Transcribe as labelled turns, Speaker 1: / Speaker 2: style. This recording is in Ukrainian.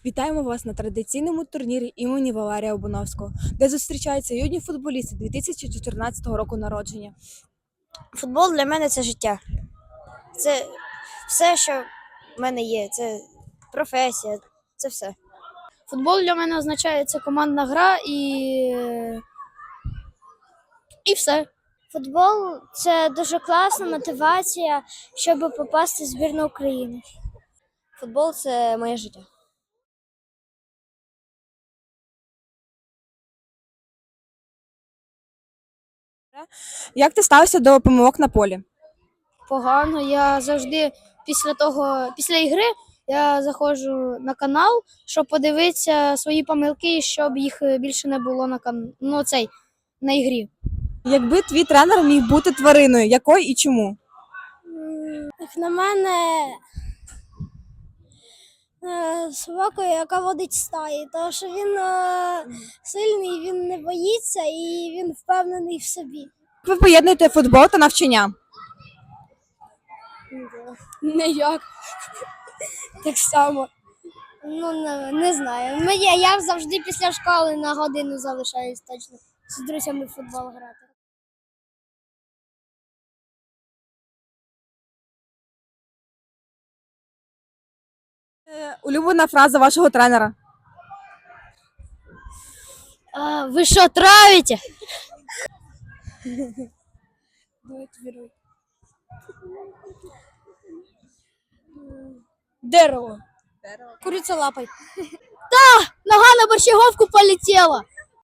Speaker 1: Вітаємо вас на традиційному турнірі імені Валерія Обуновського, де зустрічаються юні футболісти 2014 року народження.
Speaker 2: Футбол для мене це життя. Це все, що в мене є. Це професія, це все.
Speaker 3: Футбол для мене означає це командна гра і все.
Speaker 4: Футбол це дуже класна мотивація, щоб попасти в збірну України.
Speaker 2: Футбол це моє життя.
Speaker 1: Як ти ставився до помилок на полі?
Speaker 3: Погано. Я завжди після ігри я заходжу на канал, щоб подивитися свої помилки, щоб їх більше не було на ігрі.
Speaker 1: Якби твій тренер міг бути твариною, якою і чому?
Speaker 4: Як на мене, собакою, яка водить стаї, тому що він сильний, він не боїться і він впевнений в собі.
Speaker 1: Як ви поєднуєте футбол та навчання?
Speaker 3: Ніяк. Так само.
Speaker 4: Не знаю. Я завжди після школи на годину залишаюсь точно з друзями в футбол грати.
Speaker 1: Улюблена фраза вашого тренера?
Speaker 3: Ви що, травите? Дерево.
Speaker 4: Куриця лапой.
Speaker 3: Нога на борщаговку полетела.